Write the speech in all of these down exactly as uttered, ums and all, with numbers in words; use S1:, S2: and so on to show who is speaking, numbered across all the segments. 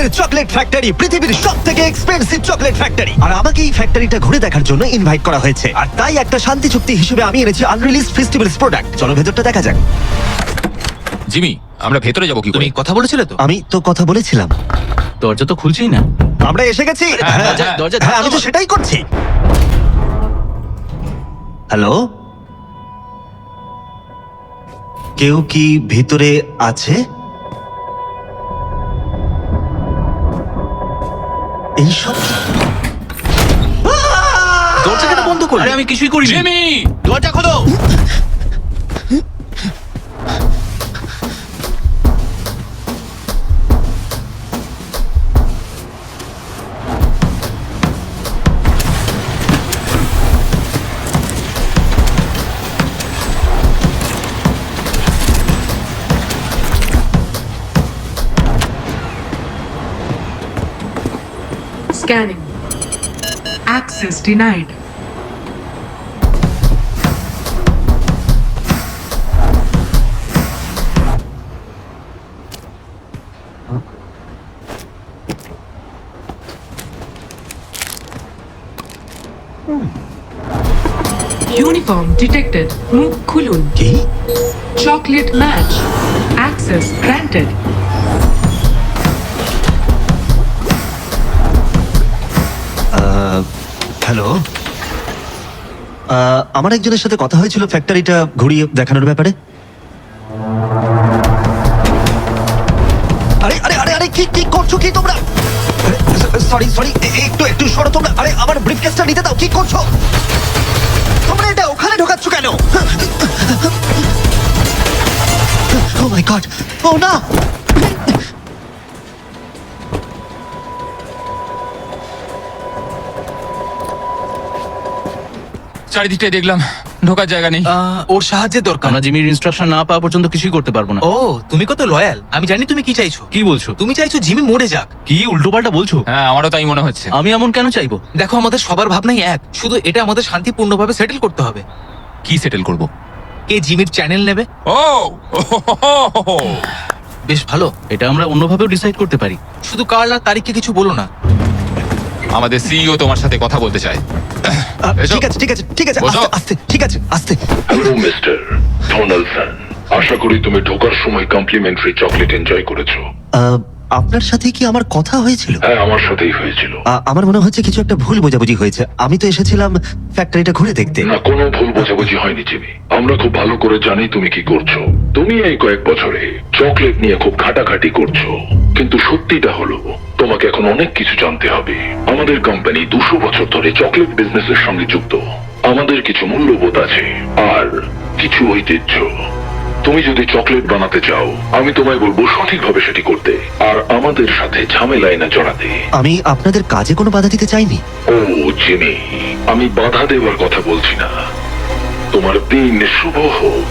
S1: শহরের chocolate factory পৃথিবীর সব থেকে এক্সপেন্সিভ চকলেট ফ্যাক্টরি, আর আমাকে এই ফ্যাক্টরিটা ঘুরে দেখার জন্য ইনভাইট করা হয়েছে। আর তাই একটা শান্তি চুক্তি হিসেবে আমি এনেছি আনরিলিজড ফেস্টিভ্যালস প্রোডাক্ট। চলো ভেতরটা দেখা যাক।
S2: জিমি, আমরা ভেতরে যাবো কি করে?
S3: তুমি কথা বলেছিলে তো?
S1: আমি তো কথা বলেছিলাম।
S3: দরজা তো খুলছেই না।
S1: আমরা এসে গেছি।
S2: হ্যাঁ,
S1: হ্যাঁ,
S3: দরজা- দরজা
S1: হ্যাঁ, আমি তো
S3: ধাক্কা
S1: সেটাই করছি। হ্যালো, কেউ কি ভিতরে আছে? এইসব
S3: দরজা কেন বন্ধ করলে? আরে আমি কিছুই করিনি।
S2: জিমি!
S3: দরজা খোলো।
S4: Scanning. Access denied. Uniform detected. মুখ খুলুন।
S1: কি?
S4: Chocolate match. Access granted.
S1: Hello, ah, আমার একজনের সাথে কথা হয়েছিল ফ্যাক্টরিটা ঘুরিয়ে দেখানোর ব্যাপারে। আরে আরে আরে আরে কি কি করছো কি তোমরা? সরি সরি, একটু একটু সরো তোমরা। আরে আমার ব্রিফকেসটা নিতে দাও। কি করছো তোমরা? এটা ওখানে ঢোকাচ্ছ কেন? ও মাই গড, ও না!
S2: চারিদিকটাই দেখলাম, ঢোকার জায়গা নেই।
S3: আহ, ওর সাহায্যের দরকার। আমরা জিমির ইনস্ট্রাকশন না পাওয়া পর্যন্ত কিছুই করতে পারবো না।
S5: ও তুমি কত লয়াল। আমি জানি তুমি কি চাইছো।
S3: কি বলছো?
S5: তুমি চাইছো জিমি মরে যাক।
S3: কি উল্টোপাল্টা বলছো?
S2: হ্যাঁ, আমারও তাই মনে হচ্ছে।
S3: আমি এমন কেন চাইবো?
S5: দেখো আমাদের সবার ভাবনাই এক, শুধু এটা আমাদের শান্তিপূর্ণভাবে সেটেল করতে হবে।
S2: কি সেটেল করব?
S5: কে জিমির চ্যানেল নেবে?
S2: ও
S5: বেশ ভালো।
S3: এটা আমরা অন্যভাবেও ডিসাইড করতে পারি।
S5: শুধু কার্ল আর তারিখকে কিছু বলো না।
S2: আমাদের সিইও তোমার সাথে কথা বলতে চায়।
S1: আহ,
S2: এসো।
S1: ঠিক আছে ঠিক আছে ঠিক আছে,
S2: বসো।
S1: আস্তে আস্তে, ঠিক আছে আস্তে।
S6: হ্যালো মিস্টার ডোনাল্ডসন, আশা করি তুমি ঢোকার সময় কমপ্লিমেন্টারি চকলেট এনজয় করেছো।
S1: আহ, আপনার সাথে কি আমার কথা হয়েছিল?
S6: হ্যাঁ, আমার সাথেই হয়েছিল।
S1: আ- আমার মনে হচ্ছে কিছু একটা ভুল বোঝাবুঝি হয়েছে। আমি তো এসেছিলাম ফ্যাক্টরিটা ঘুরে দেখতে।
S6: না, কোনো ভুল বোঝাবুঝি হয়নি জিমি। আমরা খুব ভালো করে জানি তুমি কি করছো। তুমি এই কয়েক বছরে চকলেট নিয়ে খুব ঘাটাঘাটি করছো, কিন্তু সত্যিটা হলো তোমাকে এখন অনেক কিছু জানতে হবে। আমাদের কোম্পানি দুশো বছর ধরে চকলেট বিজনেসের সঙ্গে যুক্ত। আমাদের কিছু মূল্যবোধ আছে আর কিছু ঐতিহ্য। তুমি যদি চকলেট বানাতে চাও, আমি তোমায় বলবো সঠিকভাবে সেটি করতে, আর আমাদের সাথে ঝামেলায় না জড়াতে।
S1: আমি আপনাদের কাজে কোনো বাধা দিতে চাইনি।
S6: ও জিমি, আমি বাধা দেওয়ার কথা বলছি না। তোমার দিন শুভ হোক।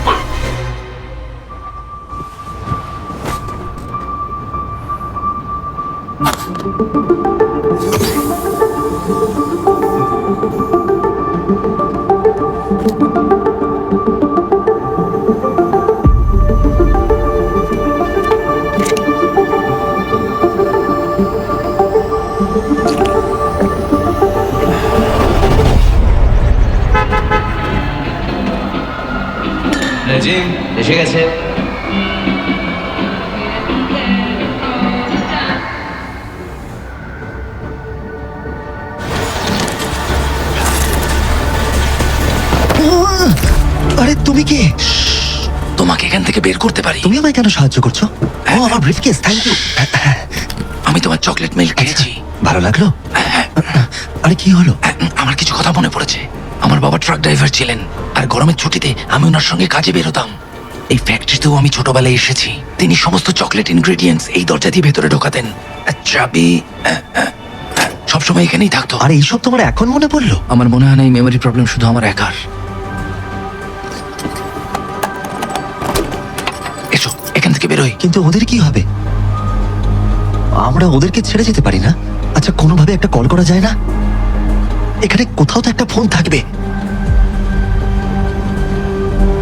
S5: জিম এসে গেছে।
S1: আহ! আরে তুমি কে?
S5: তোমাকে এখান থেকে বের করতে পারি।
S1: তুমি আমায় কেন সাহায্য করছো? ও আমার ব্রিফকেস, থ্যাংক ইউ।
S5: আমি তোমার চকলেট মিল্ক খেয়েছি।
S1: ভালো লাগলো? আরে কি হলো?
S5: আমার কিছু কথা মনে পড়েছে। আমার বাবা ট্রাক ড্রাইভার ছিলেন, আর গরমের ছুটিতে আমি ওনার সঙ্গে কাজে বেরোতাম। এই ফ্যাক্টরিতেও আমি ছোটবেলায় এসেছি। তিনি সমস্ত চকলেট ইনগ্রেডিয়েন্টস এই দরজা দিয়ে ভেতরে ঢোকাতেন। আর চাবি আহ, আহ, আহ, সবসময় এখানেই থাকতো।
S1: আর এইসব তোমার এখন মনে পড়লো?
S5: আমার মনে হয় না এই মেমোরি প্রবলেম শুধু আমার একার। এসো এখান থেকে বেরোই।
S1: কিন্তু ওদের কি হবে? আমরা ওদেরকে ছেড়ে যেতে পারি না? আচ্ছা, কোনোভাবে একটা কল করা যায় না? এখানে কোথাও তো একটা ফোন থাকবে।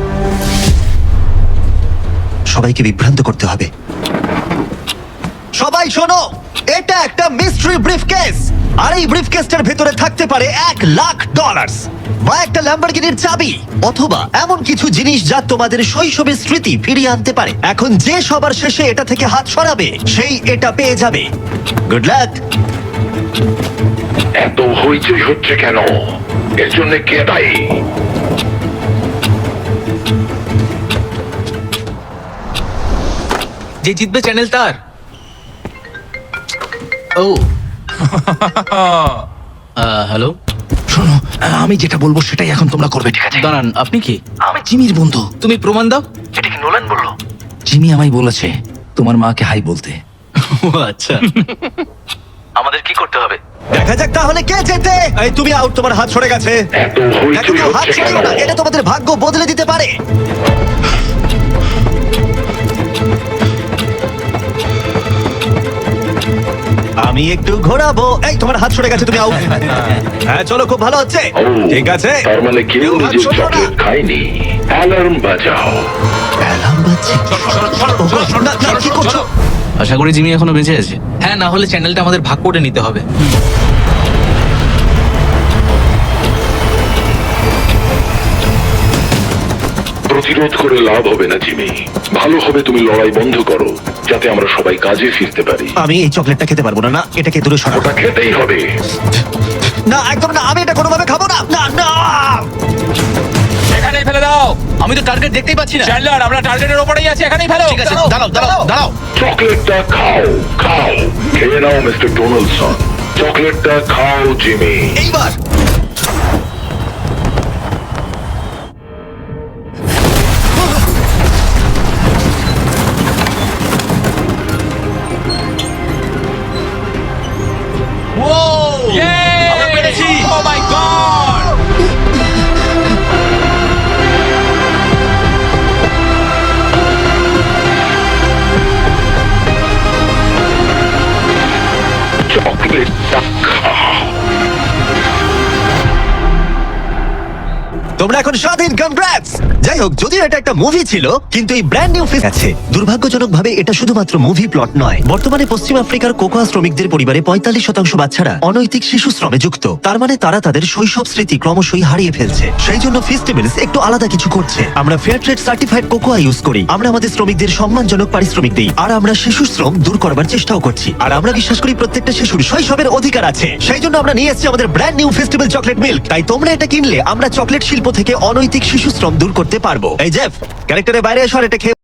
S1: সবাইকে বিভ্রান্ত করতে হবে। সব সবাই শোনো, এটা একটা মিস্ট্রি ব্রিফকেস, আর এই ব্রিফকেসটার ভেতরে থাকতে পারে এক লাখ ডলার বা একটা ল্যাম্বরগিনির চাবি, অথবা এমন কিছু জিনিস যা তোমাদের শৈশবের স্মৃতি ফিরিয়ে আনতে পারে। এখন যে সবার শেষে এটা থেকে হাত সরাবে সেই এটা পেয়ে যাবে। Good luck.
S6: এত হইচই হচ্ছে কেন? এর জন্য কে দায়ী?
S3: যে জিতবে চ্যানেল তার। ও হ্যালো,
S5: শোনো, আমি যেটা বলবো সেটাই এখন তোমরা করবে, ঠিক আছে?
S3: দাঁড়ান, আপনি কি?
S5: আমি জিমির বন্ধু।
S3: তুমি প্রমাণ দাও।
S5: এটা কি নোলান বললো? জিমি আমায় বলেছে তোমার মাকে হাই বলতে।
S3: ও আচ্ছা।
S5: আমাদের কি করতে হবে?
S1: দেখা যাক তাহলে কে জেতে। এই তুমি আউট, তোমার হাত সরে গেছে।
S6: এত
S1: দেখো
S6: হইচই
S1: কেউ হাত
S6: হচ্ছে
S1: ছেড়েও
S6: কেন?
S1: না, এটা তোমাদের ভাগ্য বদলে দিতে পারে। আমি একটু ঘোরাবো। এই তোমার হাত সরে গেছে, তুমি আউট। হ্যাঁ চলো, খুব ভালো হচ্ছে।
S6: ও,
S1: ঠিক আছে,
S6: তার মানে কেউ
S1: কেউ হাত
S6: নিজের
S1: সরলো না।
S6: চকলেট খায়নি। অ্যালার্ম বাজাও।
S1: অ্যালার্ম বাজছে। না, না, কি করছো?
S3: আশা করি জিমি এখনো বেঁচে আছে। হ্যাঁ, না হলে চ্যানেলটা আমাদের ভাগ করে নিতে হবে।
S6: প্রতিরোধ করে লাভ হবে না জিমি। ভালো হবে তুমি লড়াই বন্ধ করো, যাতে আমরা সবাই কাজে ফিরতে পারি।
S1: আমি এই চকলেটটা খেতে পারবো না। না, এটাকে দূরে সরাবো।
S6: ওটা খেতেই হবে।
S1: না, একদম না, আমি এটা কোনোভাবে খাবো না। না, না।
S2: এখানেই ফেলে দাও।
S3: আমি তো টার্গেট দেখতেই পাচ্ছি না।
S2: চ্যান্ডলার, আমরা টার্গেটের ওপরেই আছি, এখানেই ফেলো।
S3: ঠিক আছে, দাঁড়াও দাঁড়াও দাঁড়াও।
S6: চকলেটটা খাও, খাও, খেয়ে নাও মিস্টার ডোনাল্ডসন। চকলেটটা খাও জিমি।
S1: এইবার
S2: আমরা পেরেছি। Oh my god!
S6: চকলেটটা খাও।
S1: তোমরা এখন স্বাধীন। কনগ্রাটস। যাই হোক, যদিও এটা একটা মুভি ছিল, কিন্তু এই ব্র্যান্ড নিউ ফেস আছে। দুর্ভাগ্যজনকভাবে এটা শুধুমাত্র মুভি প্লট নয়। বর্তমানে পশ্চিম আফ্রিকার কোকোয়া শ্রমিকদের পরিবারে পঁয়তাল্লিশ শতাংশ বাচ্চারা অনৈতিক শিশু শ্রমে যুক্ত। তার মানে তারা তাদের শৈশব স্মৃতি ক্রমশই হারিয়ে ফেলছে। সেই জন্য ফেস্টিভ্যালস একটু আলাদা কিছু করছে। আমরা fair trade certified cocoa use করি। আমরা আমাদের শ্রমিকদের সম্মানজনক পারিশ্রমিক দিই, আর আমরা শিশু শ্রম দূর করবার চেষ্টাও করছি। আর আমরা বিশ্বাস করি প্রত্যেকটা শিশুর শৈশবের অধিকার আছে। সেই জন্য আমরা নিয়ে এসেছি আমাদের brand new festival chocolate milk. তাই তোমরা এটা কিনলে আমরা চকলেট শিল্প থেকে অনৈতিক শিশু শ্রম দূর করতে পারবো। এই জেফ, ক্যারেক্টারের বাইরে এসো আর এটা খেয়ে